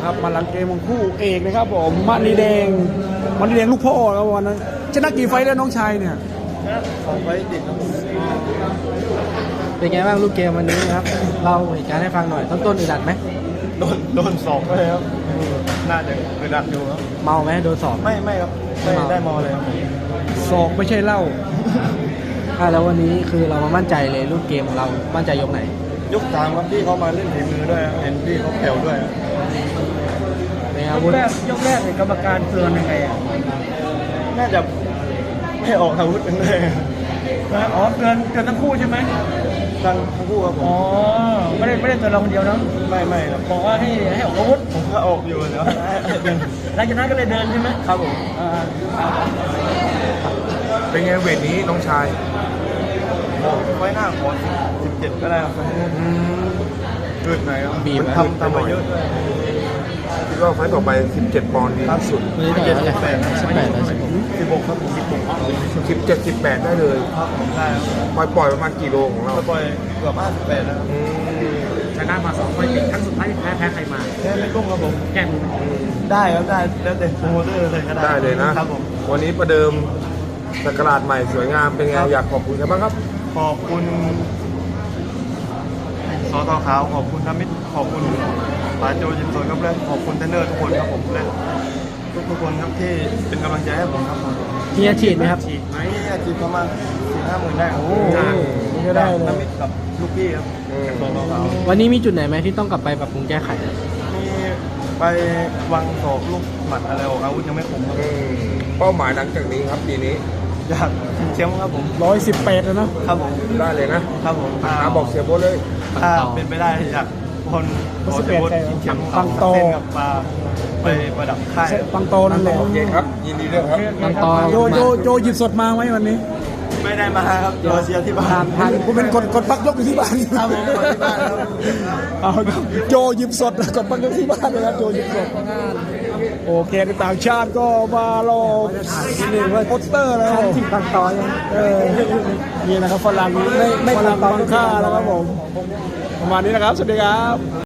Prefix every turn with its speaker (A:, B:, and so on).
A: ครับมาหลังเกมของคู่เอกนะครับผมมณีแดงลูกพ่อแล้ววันนั้นชนะกี่ไฟต์แล้วน้องชายเนี่ย
B: 2 ไฟต์ติดครับ
C: เป็นไงบ้างลูกเกมวันนี้ครับเราเหตุการณ์ให้ฟังหน่อยต้นอึดอัดไหม
B: โดนสอบเลยครับน่าจะอึดอัดอยู่ครับ
C: เมาไหมโดนสอบ
B: ไม่ครับไม่ได้มอเลยครับ
A: ศอกไม่ใช่เหล้า
C: แล้ววันนี้คือเรามามั่นใจเลยลูกเกมของเรามั่นใจยกไหน
B: ยก 3ครับพี่เขามาเล่นฝีมือด้วยครับเห็นพี่เขาแผ่วด้วยครับ
C: เป็นอาวุธ
A: ยกแรกกรรมการเตือนยังไงอ่ะ
B: น่าจะไม่ออกอาวุธกันเลย
A: อ๋อเตือนทั้งคู่ใช่ไหม
B: ทั้งคู่ครับผ
A: อ๋อ
B: ม
A: ไม่ได้เตือนเราคนเดียวนะ
B: ไม่ครับ
A: บอกว่าให้ออกอาวุธ
B: ผมก็ออกอยู่เนาะ
A: หลังจากนั้นก็เลยเดินใช่ไหม
B: ครับผม
D: เป็นไงเวทนี้น้องชาย
B: ไว้หน้าขอ17ก็ได้ครับเกิดไหนครับ
C: บีบ
B: มันทำมาเยอะด้วย
D: คิดว่าไฟต์ต่อไป 17 ปอนด์ดีที่สุด
C: วันนี้ต่อยเท่าไหร่18ต่อ16
B: 16ครับผม
D: 17 18 ได้เลย
B: ครับผมได้ครับ
D: ปล่อยประมาณกี่โลของเรา
B: ก็ปล่อยเกือบ58แล้วครับ
D: อืม
A: ชนะมา2ไฟต์ติดครั้งสุดท้ายแพ้ใครมา
B: แค่ไม่กุ้งครับผม
A: แก้มือ
B: ได้ครับได้แล้วแต่โปรโมเตอร์เลยก็ได้
D: ได้เลยนะครับ
B: ผม
D: วันนี้ประเดิมสักราชใหม่สวยงามเป็นไงอยากขอบคุณกันบ้างครับ
B: ขอบคุณสตขาวขอบคุณธมิตรขอบคุณปาโจยินสนครับและขอบคุณเทรนเนอร์ทุกคนครับผมและทุกคนครับที่เป็นกำลังใจให้ผมครับผม
C: มีอาชีพไหมครับ
B: ฉีดไหมอาชีพประมาณ4-5 หมื่นได้ครับ
C: นี่ก็ได้เลย
B: ธมิตรกับลูกพี่ครับ
D: อืม
B: สตขาว
C: วันนี้มีจุดไหนไหมที่ต้องกลับไปปรับปรุงแก้ไข
B: มีไปวางศอกลูกหมัดอะไรออกอาวุธยังไม่คมครับ
D: อืมเป้าหมายหลังจากนี้ครับปีนี้
B: อยากเชียมครับผม
A: 118แล้วนะครับ
B: ผม
D: ได้เลยนะครับ
B: ผม
D: บอกเสียโบ๊ทเลย
B: ถ้าเป็นไปได้อยากคนขอเชียร์ชิงแชมป์
A: ปังโต
B: เส้นกับปลาไปประดับค่าย
A: ปังโตนั่นแหละ
D: โอเคครับ ยินดีด้วยครับ
C: ปังโต
A: โจหยิบสดมาไหมวันนี้
B: ไม่ได้มาครับรอเชียร์ที่บ้าน
A: ผมเป็นคนพักยกอยู่ที่บ้าน
B: ครับผมคนที่บ้านครับ
A: เอาครับโจหยิบสดกดพักยกที่บ้านเลยครับโจหยิบสดโอเคในต่างชาติก็มารอนี่ว่าโปสเตอร์แล้ว
C: ปังโตยัง
A: นี่นะครับฝรั่งไม่ฝรั่งบางค่าแล้วครับผมประมาณนี้นะครับสวัสดีครับ